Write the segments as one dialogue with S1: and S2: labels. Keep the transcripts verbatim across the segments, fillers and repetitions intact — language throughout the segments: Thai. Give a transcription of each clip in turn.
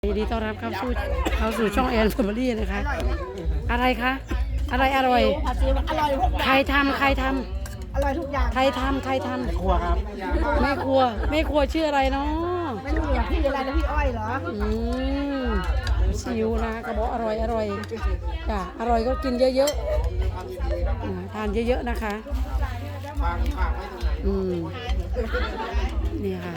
S1: ยินดีต้อนรับเข้าสู่เข้าสู่ช่องแอนแฟมิลี่นะคะอะไรคะอะไรอร่อย
S2: ผัดซีอิ๊วอร่อยทุกอย่าง
S1: ใครทำใครท
S2: อร่อยทุกอย่าง
S1: ำใครทำใครทำ
S3: ครัวครับ
S1: แม่ครัวแม่ครัวชื่ออะไรเนาะ
S2: ไม่รู้อย่างพี่อะไรนะพี่อ้อยเหรอ
S1: อืมซิวนะกระบอกอร่อยอร่อยจ้ะอร่อยก็กินเยอะๆอ่าทานเยอะๆนะคะอืมนี่ค่ะ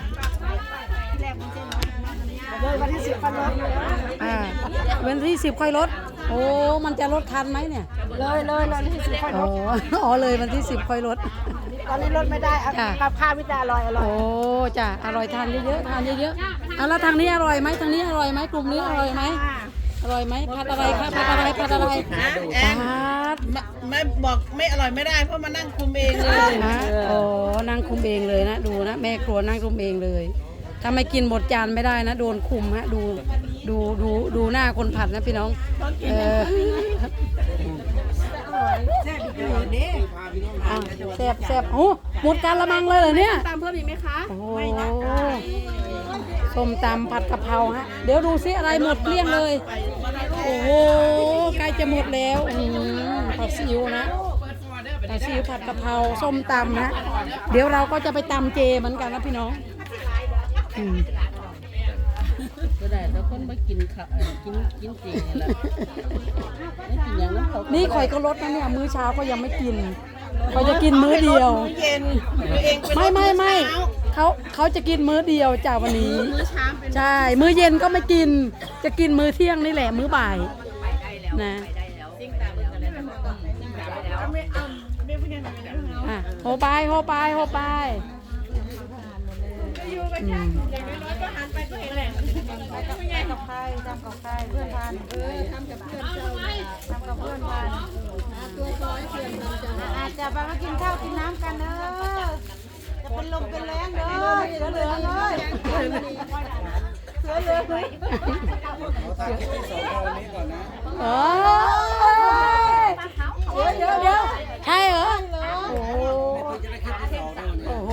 S2: เลยวันที่สิบพันรถ
S1: อ่าวันที่สิบค่อยลดโอ้มันจะลดทันไหมเนี่ย
S2: เลยเลยเลยวันที่สิบพันร
S1: อ๋อ
S2: ถ
S1: อ๋อเลยวันที่สิบค่อยลด
S2: ตอนนี้รถไม่ได้กับข้าววิจาอร่อยอร่อย
S1: โอ้จ้ะอร่อยทานเยอะๆทานเยอะๆเอาแล้วทางนี้อร่อยไหมทางนี้อร่อยไหมกลุ่มนี้อร่อยไหมอร่อยไหมผัดอะไรครับผัดอะไรผัดอะไร
S4: แอน
S1: ผัด
S4: ไม่ไม่บอกไม่อร่อยไม่ได้เพราะมานั่งคุมเองเลย
S1: นะโอ้นั่งคุมเองเลยนะดูนะแม่ครัวนั่งคุมเองเลยถ้าไม่กินหมดจานไม่ได้นะโดนคุมฮะดูดูดูดูหน้าคนผัดนะพี่น้องเอออ่ะแซ่บแซ่บโอ้หมดการละมังเลยเหรอเนี่ย
S2: ตามเพิ่มอีกไหมคะ
S1: โอ้ส้มตำผัดกะเพราฮะเดี๋ยวดูซิอะไรหมดเกลี้ยงเลยโอ้โหใกล้จะหมดแล้วอืมผัดซีอิ๊วนะผัดซีอิ๊วผัดกะเพราส้มตำนะเดี๋ยวเราก็จะไปตำเจเหมือนกันนะพี่น้องอืม
S4: ก็ได้แต่คนมากินข้าวเอ่อกินกินจริงนี่แหละไม่กินอย่างนั้นเขา
S1: นี่ข่อยก็ลดนะเนี่ยมื้อเช้าก็ยังไม่กินเขาจะกินมื้อเดียว
S4: มื้อเย็นตัวเองเป็น
S1: ไม่ไม่ไม่
S4: เช้า
S1: เขาเขาจะกินมื้อเดียวจ้าวันนี้
S4: มื้อเช้าเป็น
S1: ใช่ มื้อเย็นก็ไม่กิน จะกินมื้อเที่ยงนี่แหละ มื้อบ่ายนะอ่ะโฮไปโฮไปโฮไปอืม
S2: กับใครทำกับใครเพื่อนทานเออทำกับเพื่อนเจ้าทำกับเพื่อนทานตัวซอยเพื่อนอาจจะไปมากินข้าวกินน้ำกันเด้อจะเป็นลมเป็นแรงเด้อเสือเหลืองเลยเสือเหลืองเลย
S1: โอ้ยเดี๋ยวเดี๋ยวเดี๋ยวใช่เหรอ โอ้โหโอ้โห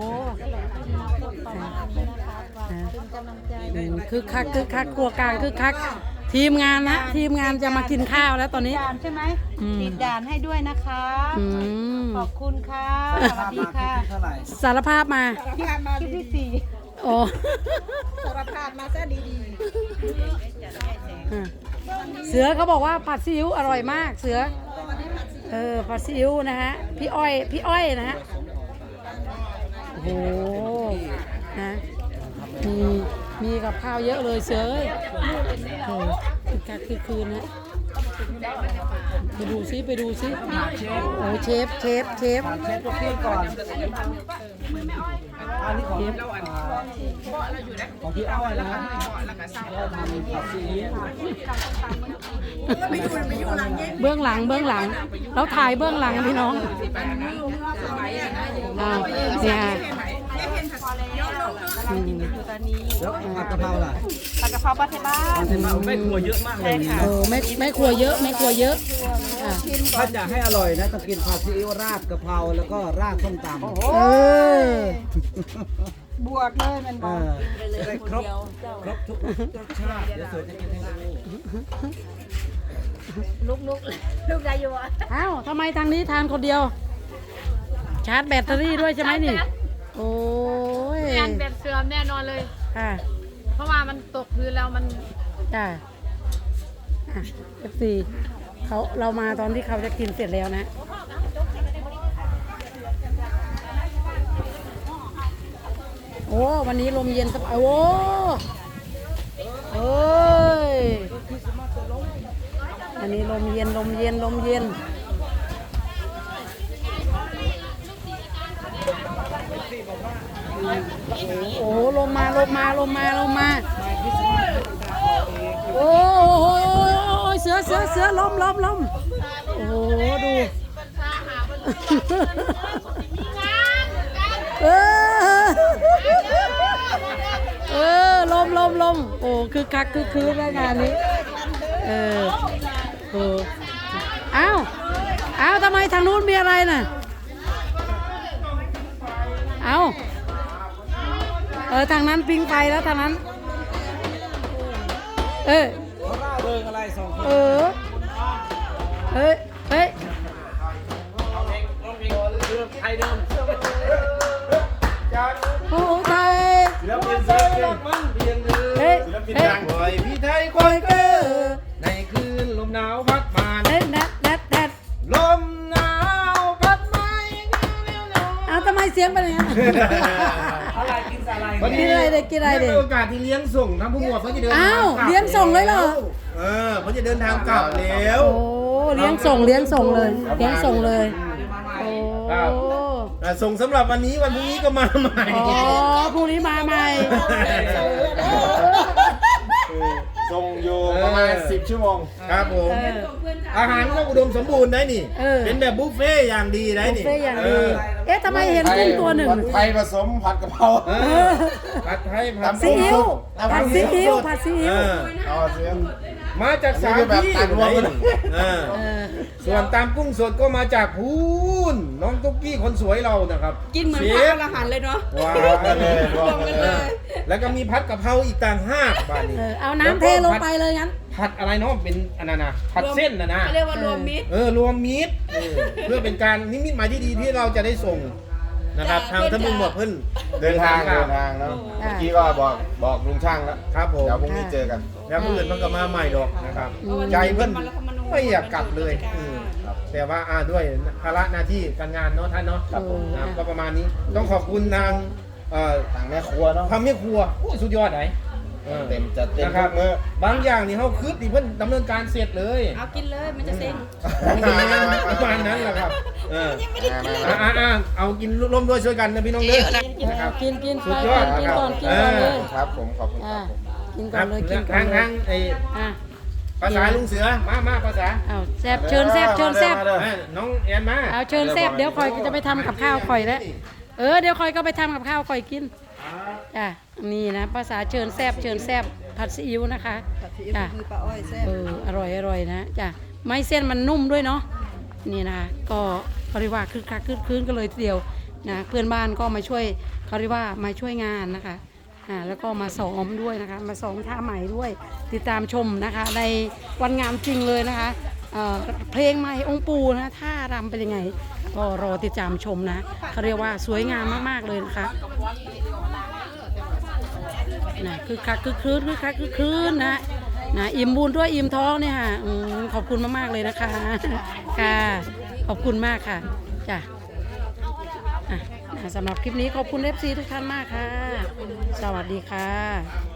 S1: อืมคึกคักคึกคักครัวกลางคึกคักทีมงานนะทีมงานจะมากินข้าวแล้วตอนนี้
S2: ด่านใช่ไหม
S1: อืม
S2: ติดด่านให้ด้วยนะคะ
S1: อืม
S2: ขอบคุณค่ะสวัสดีค่ะ
S1: สารภาพมา
S2: คลิปที่สี่
S1: โอ้
S2: สารภาพมาซะดี
S1: อ่ะเสือเขาบอกว่าผัดซีอิ๊วอร่อยมากเสือเออผัดซีอิ๊วนะฮะพี่อ้อยพี่อ้อยนะฮะโอ้โหนะมีมีกับข้าวเยอะเลยเสือเอ้ยเออคือคักคือคืนนะไปดูซิไปดูซิโอ้เชฟเชฟเชฟ
S3: เชฟตัวพี่ก่อนอันนี้ของของพี่อ้อยนะเราทำผัดซีอิ๊ว
S1: เบื้องหลังเบื้องหลังเราถ่ายเบื้องหลังพี่น้องอ่าเนี่ยอืม
S3: แล้วผัดกะเพราล่ะ
S2: ๆผัดกะเพราปลาเทบ้าน
S3: ผัดกะเพราไม่ครัวเยอะมากเลยนะ
S1: เออไม่ไม่ครัวเยอะไม่ครัวเยอะอ่ะ
S3: ถ้าจะให้อร่อยนะต้องกินผัดซีอิ๊วราดกะเพราแล้วก็ราดส้มตำ
S1: เออ
S2: บวกเลยมันบ
S3: เอ
S2: อก
S3: อได้ครบครบทุกรสชาติเดี๋ยวเสือจะกินให้ดู
S2: ลุกลุกลุกได้อยู่อ่ะ
S1: อ้าวทำไมทางนี้ทานคนเดียว ชาร์จแบตเตอรี่ด้วยใช่ไหมนี่ โอ้ย
S5: งานแบบเสื่อมแน่นอนเลย
S1: ค่ะ
S5: เพราะว่ามันตกพื้นแล้วมัน
S1: จ้าเอฟซีเขาเรามาตอนที่เขาจะกินเสร็จแล้วนะ โอ้วันนี้ลมเย็นสบายโอ้เอ้ยอันนี้ลมเย็นลมเย็นลมเย็นโอ้ลมมาลมมาลมมาลมมาโอ้โหเสือเสือเสือลมลมลมโอ้โหดูเออเออลมลมลมโอ้คือคักคือคืนแล้วงานนี้เออเอออ้าวอ้าวทำไมทางนู้นมีอะไรน่ะเอ้าเออทางนั้นปิ้งไปแล้วทางนั้นเออ
S3: เขาร่าเริงอะไรสองคน
S1: เออเฮ้ยเฮ้ย
S3: ไทยเดิม
S1: ผู้ไทย
S3: ศิลปินศิลปินมันเพียงเดิม
S1: เฮ้ย
S3: ศิลปิน
S1: เฮ้ย
S3: ดังบ่อยพี่ไทยคอยเกอในคืนลมหนาวพัดมา
S1: เฮ้ยนัดนัดนัด
S3: ลมหนาวพัดมา
S1: เอาทำไมเสียงเป็นอย่างนั้น
S3: อะไรกินอะไร
S1: กินอะไรเด็กกินอะไรเด็ก
S3: มีโอกาสที่เลี้ยงส่งทั้งผู้หมวดเพื่อจะเดินทาง
S1: อ้าว
S3: กบ
S1: เลี้ยงส่งเลยเหรอ
S3: เออเพื่อจะเดินทางกลับแล้ว
S1: โอ้เลี้ยงส่งเลี้ยงส่งเลยเลี้ยงส่งเลยโอ้
S3: อ่ะส่งสำหรับวันนี้วันพรุ่งนี้ก็มาใหม่
S1: อ๋อพรุ่งนี้มาใหม่
S6: ส่งอยู่ประมาณสิบชั่วโมง
S3: ครับผม
S1: เออ
S3: อาหารก็อุดมสมบูรณ์ได้นี่
S1: เออ
S3: เป็นแบบบุฟเฟ่ต์อย่างดีได้
S1: บุฟ
S3: นี่
S1: เฟ่ต์อย่าง
S3: เอ
S1: ดี
S3: อ
S1: เอ๊ะทำไมเห็นกุ้งตัวหนึ่ง
S6: ผัดไทยผสมผัดกะเพรา
S3: เออผัดไทยผัด
S1: ซีอิ๊วผัดซีอิ๊วผัดซีอิ๊ว
S3: เออ
S6: เอาเสียง
S3: มาจากสาม
S6: นี่คือแบบ
S3: ที่
S6: ตัดรวมกัน
S3: เออ
S1: เออ
S3: ส่วนตามกุ้งสดก็มาจากพูนน้องตุ๊กกี้คนสวยเรานะครับ
S2: กินเหมือน
S3: ช
S2: พระ
S3: ฟ
S2: อรหันต์เลยเนาะ
S3: ว้าว
S6: รวมกันเลยรวมกัน
S3: เอ
S6: เล
S3: อย แล้วก็มีพัดกะเพราอีกต่างหากบ้านนี้
S1: เออเอาน้ำเทลงไปเลยงั้น
S3: ผัดอะไรเนาะเป็นอันนั้นนะผัดเส้นนะนะ
S2: เขาเรียกว่ารวมมิตร
S3: เออรวมมิตรเออเพื่อเป็นการนิมิตหมายที่ดีที่เราจะได้ส่งนะครับ ทางท่านผู้หมวดเพิ่น
S6: เดินทางเดินทางแล้วเมื่อกี้ก็บอกบอกลุงช่างแล้ว
S3: ครับผม
S6: เดี๋ยวพรุ่งนี้เจอกัน
S3: แล้วเพื่อนมันก็มาใหม่ดอกนะครับใจเพิ่นไม่อยากกลับเลยอืมแต่ว่าอ่าด้วยภาระหน้าที่การงานเนาะท่านเนาะ
S1: ครับผม
S3: นะครับก็ประมาณนี้ต้องขอบคุณนางเอ่อ
S6: ทางแม่ครัวเนาะ
S3: ทำแม่ครัวโอ้ยสุดยอดไหนออ
S6: เต็มจัดเต็ม
S3: นะครับ
S6: ทุกมื้อ
S3: บางอย่างนี่เขาคืดที่เพิ่นดำเนินการเสร็จเลย
S2: เอากินเลยมันจะเซ็ง
S3: ประมาณนั้นแหละครับเออ
S2: ไม่ได้กินเลย
S3: อ่าอ่าอ่าเอากินร่วมด้วยช่วยกันนะพี่น้องเด้อ
S1: เอากินกิน
S3: สุ
S1: ไป
S3: ดยอด
S1: กินก่อนกิน
S3: เออ
S1: ก่อนเลย
S6: ครับผมขอบคุณค
S1: อ่า
S6: รับผม
S1: กิน
S3: ค
S1: ก่อ
S3: รั
S1: น
S3: บ
S1: เลยกินก่อ
S3: ทาน ง
S1: เล
S3: ทาย งไอ้
S1: อ่ะ
S3: ภาษาลุงเสือมามาภาษา
S1: เอาแซบเชิญแซบเชิญแซบ
S3: เอ้ยน้องแอนมา
S1: เอาเชิญแซบเดี๋ยวคอยก็จะไปทำกับข้าวคอยแล้วเออเดี๋ยวคอยก็ไปทำกับข้าวคอยกินจ้ะนี่นะภาษาเชิญแซบเชิญแซบผัดซีอิ๊วนะคะจ้ะ
S2: คือปลาอ้อยแซ่บ
S1: เอออร่อยอร่อยนะจ้ะไม่เส้นมันนุ่มด้วยเนาะนี่นะคะก็เขาเรียกว่าคึกคักคึกคืนกันเลยทีเดียวนะเพื่อนบ้านก็มาช่วยเขาเรียกว่ามาช่วยงานนะคะอ่าแล้วก็มาซ้อมด้วยนะคะมาซ้อมท่าใหม่ด้วย ติดตามชมนะคะในวันงานจริงเลยนะคะเอ่อเพลงใหม่องค์ปูนะท่ารำเป็นยังไงก็รอติดตามชมนะเขาเรียกว่าสวยงามมากๆเลยนะคะนะคือคักคือคืนคือคักคือคืนนะนะอิ่มบุญด้วยอิ่มท้องเนี่ยค่ะอืมขอบคุณมากๆเลยนะคะค่ะขอบคุณมากค่ะจ้ะอ่ะนะสำหรับคลิปนี้ขอบคุณเอฟซีทุกท่านมากค่ะ สวัสดีค่ะ